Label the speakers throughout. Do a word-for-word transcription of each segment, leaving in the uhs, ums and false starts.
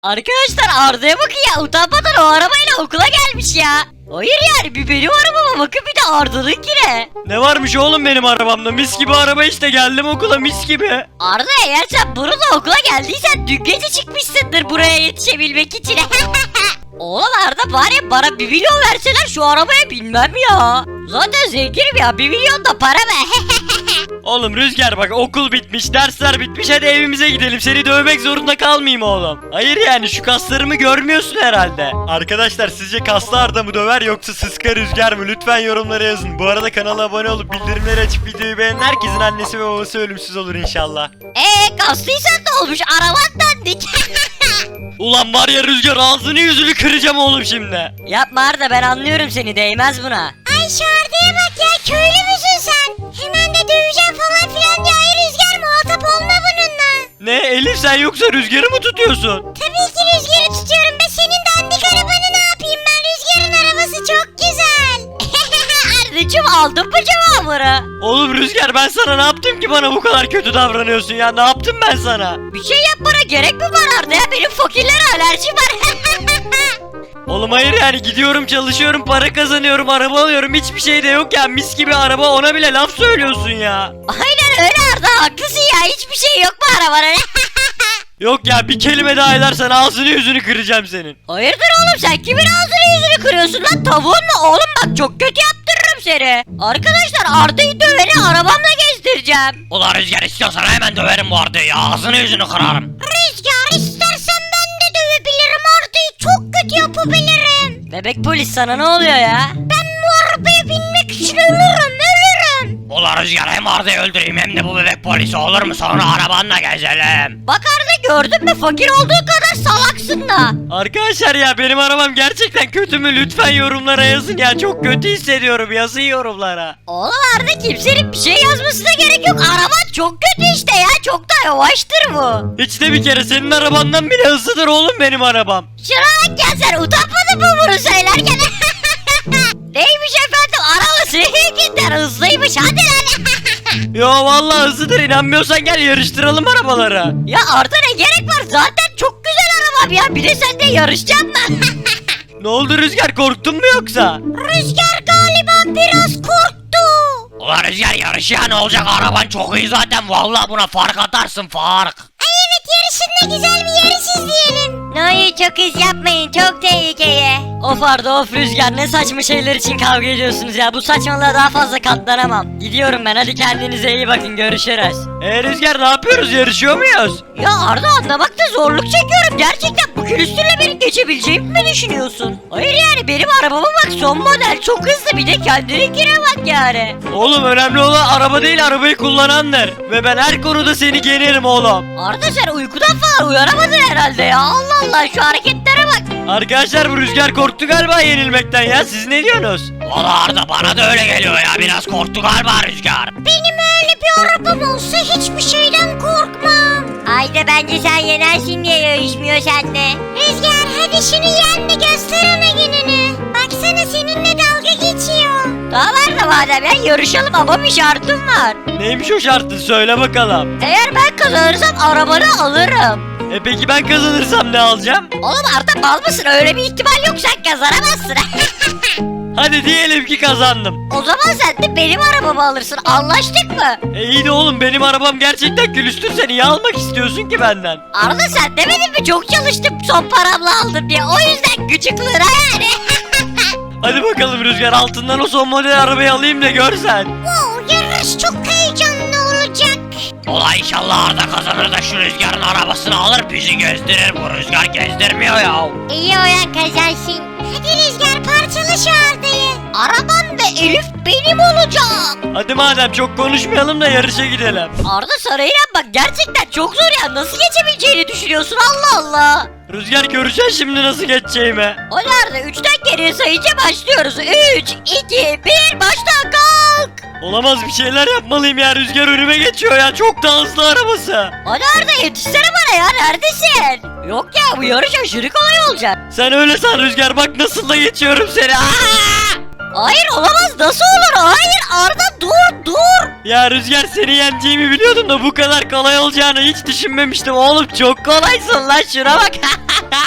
Speaker 1: Arkadaşlar Arda'ya bakın ya, utanmadan o arabayla okula gelmiş ya. Hayır yani bir benim arabama bakın, bir de Arda'nınkine.
Speaker 2: Ne varmış oğlum benim arabamda? Mis gibi araba işte, geldim okula mis gibi.
Speaker 1: Arda, eğer sen bununla okula geldiysen dün gece çıkmışsındır buraya yetişebilmek için. Oğlum Arda, bari bana bir milyon verseler şu arabaya binmem ya. Zaten zenginim ya, bir milyon da para be.
Speaker 2: Oğlum Rüzgar bak, okul bitmiş, dersler bitmiş, hadi evimize gidelim, seni dövmek zorunda kalmayayım oğlum. Hayır yani şu kaslarımı görmüyorsun herhalde. Arkadaşlar sizce kaslı Arda mı döver yoksa sıska Rüzgar mı? Lütfen yorumlara yazın. Bu arada kanala abone olup bildirimleri açıp videoyu beğenen herkesin annesi ve babası ölümsüz olur inşallah.
Speaker 1: Eee kaslıysan ne olmuş, araban dandik.
Speaker 2: Ulan var ya Rüzgar, ağzını yüzünü kıracağım oğlum şimdi.
Speaker 1: Yapma Arda, ben anlıyorum seni, değmez buna.
Speaker 3: Ay şu Arda'ya bak ya, köylü müsün sen? Hemen de döveceğim falan filan diye. Ay Rüzgar, muhatap olma bununla.
Speaker 2: Ne Elif, sen yoksa Rüzgar'ı mı tutuyorsun?
Speaker 3: Tabii ki Rüzgar'ı tutuyorum be, senin dandik arabanı ne yapayım ben? Rüzgar'ın arabası çok güzel.
Speaker 1: Ardacığım, aldın mı cevabını?
Speaker 2: Oğlum Rüzgar, ben sana ne yaptım ki bana bu kadar kötü davranıyorsun ya? Ne yaptım ben sana?
Speaker 1: Bir şey yapmana gerek mi var Arda ya? Benim fakirlere alerjim var.
Speaker 2: Oğlum hayır yani, gidiyorum çalışıyorum, para kazanıyorum, araba alıyorum, hiçbir şey de yok ya, mis gibi araba, ona bile laf söylüyorsun ya.
Speaker 1: Aynen öyle Arda, haklısın ya, hiçbir şey yok mu arabanın?
Speaker 2: Yok ya, bir kelime daha edersen ağzını yüzünü kıracağım senin.
Speaker 1: Hayırdır oğlum, sen kimin ağzını yüzünü kırıyorsun lan, tavuğun mu? Oğlum bak, çok kötü yaptırırım seni. Arkadaşlar Arda'yı döveni arabamla gezdireceğim.
Speaker 2: Ulan Rüzgar, istiyorsan hemen döverim bu Arda'yı, ağzını yüzünü kırarım.
Speaker 3: Rüzgar, istersen ben de dövebilirim, Arda'yı çok kötü yapabilirim.
Speaker 1: Bebek polis, sana ne oluyor ya?
Speaker 3: Ben bu arabaya binmek için ölürüm ölürüm.
Speaker 2: Ulan Rüzgar, hem Arda'yı öldüreyim hem de bu bebek polisi, olur mu? Sonra arabanla gezelim.
Speaker 1: Bak Arda, gördün mü, fakir olduğu kadar salaksın da.
Speaker 2: Arkadaşlar ya, benim arabam gerçekten kötü mü? Lütfen yorumlara yazın ya, çok kötü hissediyorum, yazın yorumlara.
Speaker 1: Oğlum Arda, kimsenin bir şey yazmasına gerek yok. Araban çok kötü işte ya, çok da yavaştır bu.
Speaker 2: Hiç de bir kere, senin arabandan bile hızlıdır oğlum benim arabam.
Speaker 1: Şuna bak ya, sen utanmadın mı bunu söylerken? Neymiş efendim, araba seninkinden hızlıymış, hadi lan.
Speaker 2: Yo vallahi hızlıdır, inanmıyorsan gel yarıştıralım arabaları.
Speaker 1: Ya Arda, ne gerek var, zaten çok güzel arabam ya, bir de sen de yarışacaksın mı?
Speaker 2: Ne oldu Rüzgar, korktun mu yoksa?
Speaker 3: Rüzgar galiba biraz korktu.
Speaker 2: Ulan Rüzgar, yarış ya, ne olacak, araban çok iyi zaten, vallahi buna fark atarsın, fark.
Speaker 3: Ay evet, yarışın da güzel bir yarış izleyelim.
Speaker 1: Hayır, çok hız yapmayın, çok tehlikeli. Of Arda, of Rüzgar, ne saçma şeyler için kavga ediyorsunuz ya, bu saçmalığa daha fazla katlanamam. Gidiyorum ben, hadi kendinize iyi bakın, görüşürüz.
Speaker 2: Eee Rüzgar, ne yapıyoruz, yarışıyor muyuz?
Speaker 1: Ya Arda, anlamakta zorluk çekiyorum, gerçekten bu külüstürle beni geçebileceğimi mi düşünüyorsun? Hayır yani, benim arabama bak, son model, çok hızlı, bir de kendininkine bak yani.
Speaker 2: Oğlum önemli olan araba değil, arabayı kullanandır. Ve ben her konuda seni yenerim oğlum.
Speaker 1: Arda, sen uykudan falan uyanamadın herhalde ya, Allah Allah, şu hareketlere bak.
Speaker 2: Arkadaşlar bu Rüzgar korktu galiba yenilmekten ya, siz ne diyorsunuz? Valla Arda, bana da öyle geliyor ya, biraz korktu galiba Rüzgar.
Speaker 3: Benim öyle bir arabam olsa hiçbir şeyden korkmam.
Speaker 1: Ayda, bence sen yenersin diye yarışmıyor seninle.
Speaker 3: Rüzgar, hadi şunu yen de göster ona gününü. Baksana, seninle dalga geçiyor.
Speaker 1: Daha var da madem ya, yarışalım ama bir şartım var.
Speaker 2: Neymiş o şartın, söyle bakalım.
Speaker 1: Eğer ben kazanırsam arabanı alırım.
Speaker 2: E peki ben kazanırsam ne alacağım?
Speaker 1: Oğlum Arda, mal mısın? Öyle bir ihtimal yok, sen kazanamazsın.
Speaker 2: Hadi diyelim ki kazandım.
Speaker 1: O zaman sen de benim arabamı alırsın, anlaştık mı?
Speaker 2: E iyi de oğlum, benim arabam gerçekten külüstür, sen niye almak istiyorsun ki benden?
Speaker 1: Arda, sen demedin mi çok çalıştım son paramla aldım diye, o yüzden gıcıklığına yani.
Speaker 2: Hadi bakalım Rüzgar, altından o son model arabayı alayım da görsen.
Speaker 3: Wow, yarış çok heyecanlı olacak.
Speaker 2: Ola inşallah Arda kazanır da şu Rüzgar'ın arabasını alır bizi gezdirir, bu Rüzgar gezdirmiyor ya.
Speaker 3: İyi olan kazansın. Hadi Rüzgar, parçala şu Arda'yı.
Speaker 1: Arabam ve Elif benim olacak.
Speaker 2: Hadi madem çok konuşmayalım da yarışa gidelim.
Speaker 1: Arda, sana inan bak, gerçekten çok zor ya, nasıl geçebileceğini düşünüyorsun, Allah Allah.
Speaker 2: Rüzgar, göreceksin şimdi nasıl geçeceğimi.
Speaker 1: Hadi Arda, üçten geriye sayınca başlıyoruz. Üç, iki, bir, başla, kalk.
Speaker 2: Olamaz, bir şeyler yapmalıyım ya, Rüzgar önüme geçiyor ya, çok da hızlı arabası.
Speaker 1: Hadi Arda, yetişsene bana ya, neredesin? Yok ya, bu yarış aşırı kolay olacak.
Speaker 2: Sen öyle san Rüzgar, bak nasıl da geçiyorum seni. Aa!
Speaker 1: Hayır, olamaz, nasıl olur? Hayır Arda, dur dur.
Speaker 2: Ya Rüzgar, seni yeneceğimi biliyordum da bu kadar kolay olacağını hiç düşünmemiştim oğlum, çok kolaysın lan, şuna bak.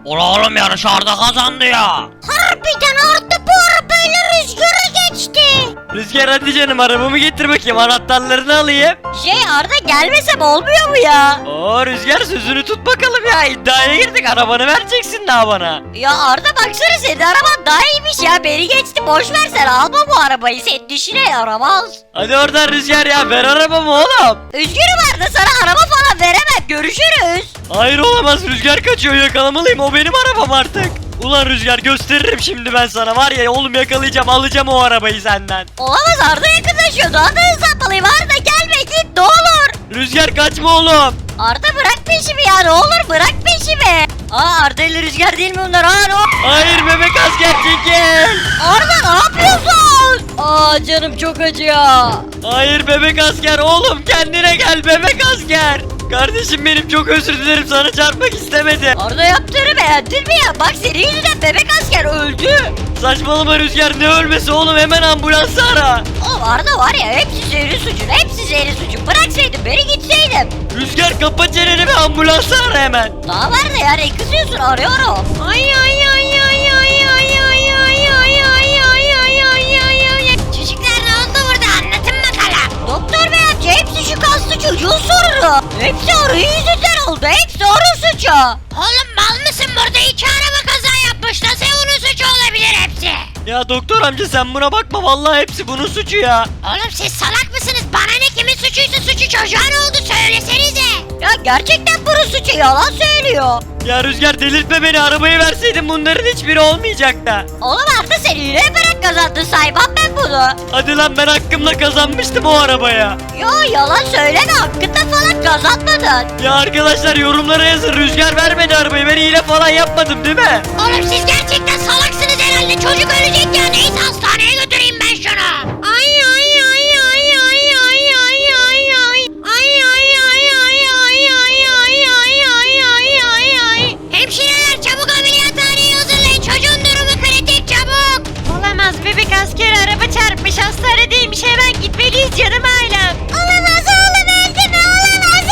Speaker 2: Ulan oğlum yarış Arda kazandı ya.
Speaker 3: Harbiden Arda bu arabayla Rüzgar'a geçti.
Speaker 2: Rüzgar hadi canım arabamı getir bakayım anahtarlarını alayım.
Speaker 1: Şey Arda gelmesem olmuyor mu ya?
Speaker 2: Oo Rüzgar sözünü tut bakalım ya iddiaya girdik arabanı vereceksin daha bana.
Speaker 1: Ya Arda baksana senin araban daha iyiymiş ya. Beni geçti boş ver sen alma bu arabayı. Senin dişine yaramaz.
Speaker 2: Hadi oradan Rüzgar ya ver arabamı oğlum.
Speaker 1: Üzgünüm Arda sana araba falan veremem. Görüşürüz.
Speaker 2: Hayır olamaz Rüzgar kaçıyor yakalamalıyım o benim arabam artık. Ulan Rüzgar gösteririm şimdi ben sana var ya oğlum yakalayacağım alacağım o arabayı senden.
Speaker 1: Olamaz Arda yakınlaşıyor. Daha da hızlanmalıyım. Arda gelme git ne olur.
Speaker 2: Rüzgar kaçma oğlum.
Speaker 1: Arda bırak peşimi ya ne olur bırak peşimi. Aa Arda ile Rüzgar değil mi bunlar? Aa ne o-
Speaker 2: Hayır bebek asker çekil.
Speaker 1: Arda ne yapıyorsun? Aa canım çok acıyor.
Speaker 2: Hayır bebek asker oğlum kendine gel bebek asker. Kardeşim benim çok özür dilerim sana çarpmak istemedim.
Speaker 1: Arda yaptığını beğendin mi ya? Bak senin yüzünden bebek asker öldü.
Speaker 2: Saçmalama Rüzgar ne ölmesi oğlum hemen ambulansı ara.
Speaker 1: Oğlum Arda var ya hepsi senin suçun. Hepsi senin suçun. Bıraksaydın beni gitseydim.
Speaker 2: Rüzgar kapa çeneni ve ambulansı ara hemen.
Speaker 1: Daha var da ya ne kızıyorsun arıyorum.
Speaker 3: Ay ay ay ay ay ay ay ay ay ay ay ay ay ay ay. Çocuklar ne oldu burada anlatın bakalım.
Speaker 1: Doktor bey amca hepsi şu kaslı çocuğun sorunu. Hepsi arı yüzünden oldu. Hepsi arı suçu.
Speaker 3: Oğlum mal mısın burada iki araba kaza yapmış nasıl onun suçu olabilir hepsi?
Speaker 2: Ya doktor amca sen buna bakma vallahi hepsi bunun suçu ya.
Speaker 3: Oğlum siz salak mısınız? Bana ne kimin suçuysa suçu çocuğa ne oldu söylesenize.
Speaker 1: Ya gerçekten bunun suçu yalan söylüyor.
Speaker 2: Ya Rüzgar delirtme beni arabayı verseydin bunların hiçbiri olmayacaktı.
Speaker 1: Oğlum Arda sen yine yaparak kazandın saymam ben bunu.
Speaker 2: Hadi lan ben hakkımla kazanmıştım o arabaya.
Speaker 1: Yo yalan söyleme hakkında falan kazanmadın.
Speaker 2: Ya arkadaşlar yorumlara yazın Rüzgar vermedi arabayı ben hile falan yapmadım değil mi?
Speaker 3: Oğlum siz gerçekten salaksınız herhalde. Çocuk ölecek ya. Neyse hastaneye götüreyim ben şunu. Ay ay ay ay ay ay ay ay ay. Ay ay ay ay ay ay ay ay ay ay ay ay. Hemşireler çabuk ameliyathaneye hazırlayın. Çocuğun durumu kritik çabuk. Olamaz bebek asker araba çarpmış. Hastanedeymiş hemen gitmeliyiz canım ailem. Olamaz oğlum öldü mü olamaz.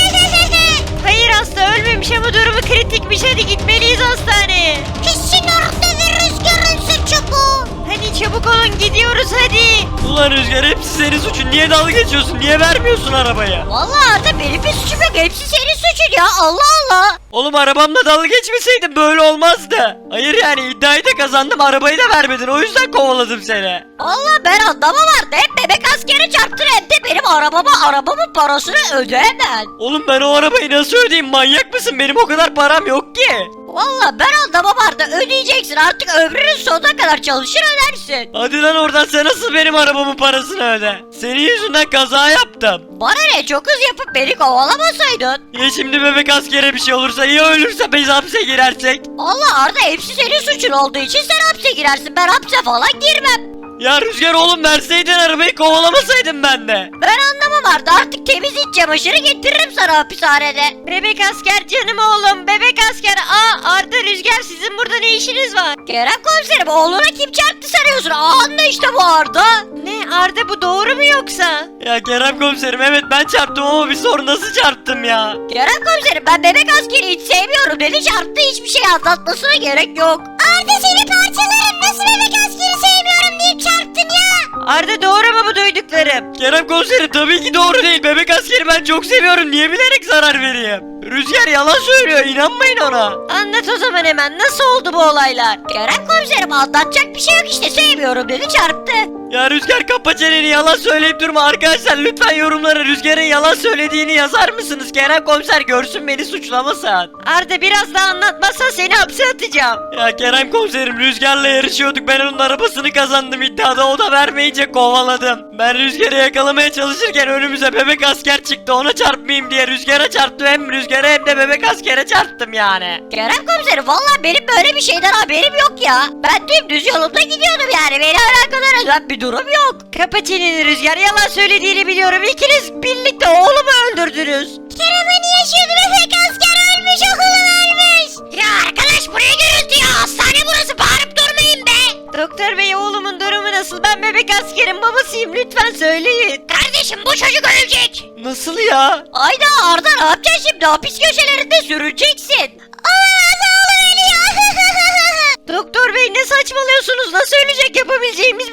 Speaker 3: Hayır hasta ölmemiş ama durumu kritikmiş. Hadi gitmeliyiz hastaneye. Kesin orada ve Rüzgar'ın suçu bu. Hadi çabuk olun gidiyoruz hadi.
Speaker 2: Ulan Rüzgar hepsi senin suçun niye dalga geçiyorsun niye vermiyorsun arabaya?
Speaker 1: Vallahi Arda benim bir suçum yok. Hepsi senin suçun ya Allah Allah.
Speaker 2: Oğlum arabamla dalga geçmeseydin böyle olmazdı. Hayır yani iddiayı da kazandım arabayı da vermedin o yüzden kovaladım seni.
Speaker 1: Vallahi ben anlamam Arda. Hem bebek askeri çarptın hem de benim arabama arabamın parasını ödeyemem.
Speaker 2: Oğlum ben o arabayı nasıl ödeyeyim manyak mısın benim o kadar param yok ki.
Speaker 1: Vallahi ben anlamam Arda. Ödeyeceksin artık ömrünün sonuna kadar çalışır ödersin.
Speaker 2: Hadi lan oradan sen nasıl benim arabamın parasını öde. Senin yüzünden kaza yaptım.
Speaker 1: Bana ne çok hız yapıp beni kovalamasaydın.
Speaker 2: Ya şimdi bebek askere bir şey olursa ya ölürse biz hapse girersek.
Speaker 1: Allah Arda hepsi senin suçun olduğu için sen hapse girersin. Ben hapse falan girmem.
Speaker 2: Ya Rüzgar oğlum verseydin arabayı kovalamasaydın ben de.
Speaker 1: Ben anlamam Arda artık temiz iç çamaşırı getiririm sana hapishanede.
Speaker 3: Bebek asker canım oğlum. Bebek asker. Aa Arda Rüzgar sizin burada ne işiniz var?
Speaker 1: Kerem komiserim oğluna kim çarptı sanıyorsun? Anla işte bu Arda.
Speaker 3: Ne Arda bu doğru mu yoksa?
Speaker 2: Ya Kerem komiserim evet ben çarptım ama bir sor nasıl çarptım ya.
Speaker 1: Kerem komiserim ben bebek askeri hiç sevmiyorum dedi çarptı hiçbir şey anlatmasına gerek yok.
Speaker 3: Arda seni parçalarım. Nasıl bebek askeri sevmiyorum deyip çarptın ya? Arda doğru mu bu duyduklarım?
Speaker 2: Kerem komiserim tabii ki doğru değil. Bebek askeri ben çok seviyorum. Niye bilerek zarar vereyim? Rüzgar yalan söylüyor. İnanmayın ona.
Speaker 3: Anlat o zaman hemen nasıl oldu bu olaylar?
Speaker 1: Kerem komiserim anlatacak bir şey yok işte sevmiyorum dedi çarptı.
Speaker 2: Ya Rüzgar kapa çeneni yalan söyleyip durma. Arkadaşlar lütfen yorumlara Rüzgar'ın yalan söylediğini yazar mısınız? Kerem komiser görsün beni suçlamasın.
Speaker 3: Arda biraz daha anlatmazsan seni hapse atacağım.
Speaker 2: Ya Kerem komiserim Rüzgar'la yarışıyorduk. Ben onun arabasını kazandım iddiada. O da vermeyince kovaladım. Ben Rüzgar'ı yakalamaya çalışırken önümüze bebek asker çıktı. Ona çarpmayayım diye Rüzgar'a çarptım. Hem Rüzgar'a hem de bebek askere çarptım yani.
Speaker 1: Kerem komiserim valla benim böyle bir şeyden haberim yok ya. Ben dümdüz yolumda gidiyordum yani beni alakadar eden bir durum yok.
Speaker 3: Kapa çeneni Rüzgar yalan söylediğini biliyorum. İkiniz birlikte oğlumu öldürdünüz. Kerem hani yaşıyordu bebek asker ölmüş oğlum ölmüş. Ya arkadaş buraya gürültü ya hastane burası bağırıp durmayın be. Doktor bey oğlumun durumu nasıl? Ben bebek askerin babasıyım lütfen söyleyin. Kardeşim bu çocuk ölecek.
Speaker 2: Nasıl ya?
Speaker 1: Ayda Arda ne yapacaksın şimdi hapis köşelerinde sürüneceksin.
Speaker 3: Olamaz oğlum ölüyor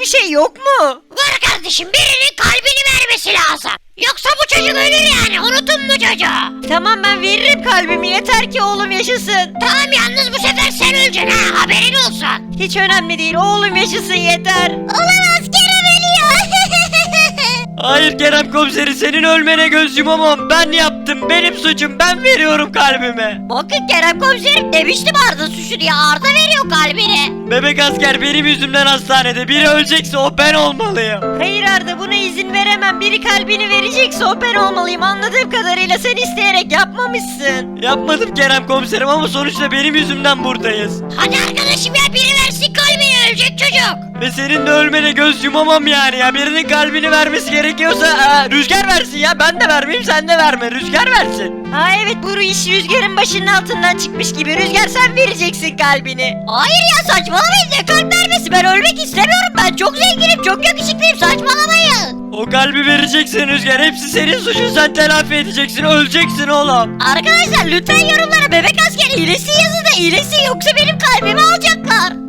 Speaker 1: bir şey yok mu?
Speaker 3: Var kardeşim, birinin kalbini vermesi lazım. Yoksa bu çocuk ölür yani, unutun mu çocuğu?
Speaker 1: Tamam ben veririm kalbimi yeter ki oğlum yaşasın.
Speaker 3: Tamam, yalnız bu sefer sen öleceksin ha, haberin olsun.
Speaker 1: Hiç önemli değil oğlum yaşasın yeter.
Speaker 3: Olamaz, Kerem ölüyor.
Speaker 2: Hayır Kerem komiseri, senin ölmene göz yumamam. Ben yaptım, benim suçum, ben veriyorum kalbimi.
Speaker 1: Bakın Kerem komiserim demiştim Arda suçu diye, Arda veriyor kalbini.
Speaker 2: Bebek asker benim yüzümden hastanede. Biri ölecekse o ben olmalıyım.
Speaker 1: Hayır Arda buna izin veremem. Biri kalbini verecekse o ben olmalıyım. Anladığım kadarıyla sen isteyerek yapmamışsın.
Speaker 2: Yapmadım Kerem komiserim ama sonuçta benim yüzümden buradayız.
Speaker 3: Hadi arkadaşım ya, biri versin kalbini, ölecek çocuk.
Speaker 2: Ve senin de ölmene göz yumamam yani ya. Birinin kalbini vermesi gerekiyorsa aa, Rüzgar versin ya. Ben de vermeyeyim, sen de verme. Rüzgar versin.
Speaker 1: Ha evet bu iş Rüzgar'ın başının altından çıkmış gibi. Rüzgar sen vereceksin kalbini. Hayır ya saçmalamayın, ne kalp vermesi, ben ölmek istemiyorum. Ben çok zenginim, çok yakışıklıyım, saçmalamayın.
Speaker 2: O kalbi vereceksin Rüzgar. Hepsi senin suçun. Sen telafi edeceksin. Öleceksin oğlum.
Speaker 1: Arkadaşlar lütfen yorumlara bebek asker iyileşsin yazın da iyileşsin, yoksa benim kalbimi alacaklar.